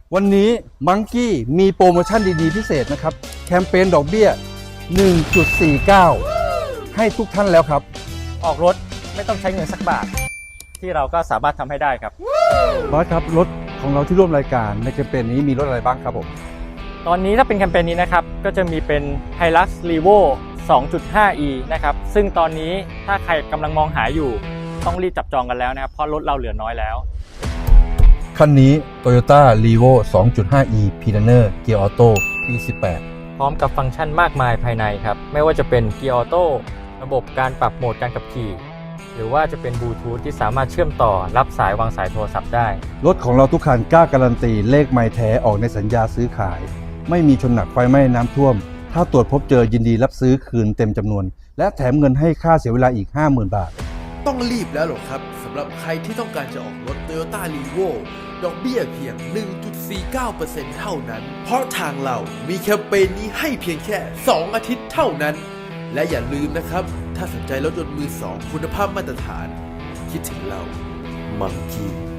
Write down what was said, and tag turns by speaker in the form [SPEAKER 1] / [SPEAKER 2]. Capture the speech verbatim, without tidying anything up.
[SPEAKER 1] วันนี้มังกี้มีโปรโมชั่นดีๆพิเศษนะครับแคมเปญดอกเบี้ย หนึ่งจุดสี่เก้า ให้ทุกท่านแล้วครับ
[SPEAKER 2] ออกรถไม่ต้องใช้เงินสักบาทที่เราก็สามารถทำให้ได้ครับ
[SPEAKER 1] บอสครับรถของเราที่ร่วมรายการในแคมเปญนี้มีรถอะไรบ้างครับผม
[SPEAKER 2] ตอนนี้ถ้าเป็นแคมเปญนี้นะครับก็จะมีเป็น Hilux Revo สองจุดห้า อี นะครับซึ่งตอนนี้ถ้าใครกำลังมองหาอยู่ต้องรีบจับจองกันแล้วนะครับเพราะรถเราเหลือน้อยแล้ว
[SPEAKER 1] คันนี้ Toyota Revo สองจุดห้า อี Pioneer Gear Auto ปี สิบแปด
[SPEAKER 2] พร้อมกับฟังก์ชันมากมายภายในครับไม่ว่าจะเป็น Gear Auto ระบบการปรับโหมดการขับขี่หรือว่าจะเป็นบลูทูธที่สามารถเชื่อมต่อรับสายวางสายโทรศัพท์ได้
[SPEAKER 1] รถของเราทุกคันกล้าการันตีเลขไมล์แท้ออกในสัญญาซื้อขายไม่มีชนหนักไฟไหม้น้ำท่วมถ้าตรวจพบเจอยินดีรับซื้อคืนเต็มจำนวนและแถมเงินให้ค่าเสียเวลาอีก ห้าหมื่น บาท
[SPEAKER 3] ต้องรีบแล้วหรอครับสำหรับใครที่ต้องการจะออกรถ Toyota Revo ดอกเบี้ยเพียง หนึ่งจุดสี่เก้าเปอร์เซ็นต์ เท่านั้นเพราะทางเรามีแคมเปญนี้ให้เพียงแค่ สอง อาทิตย์เท่านั้นและอย่าลืมนะครับถ้าสนใจรถยนต์มือสองคุณภาพมาตรฐานคิดถึงเรามังกี้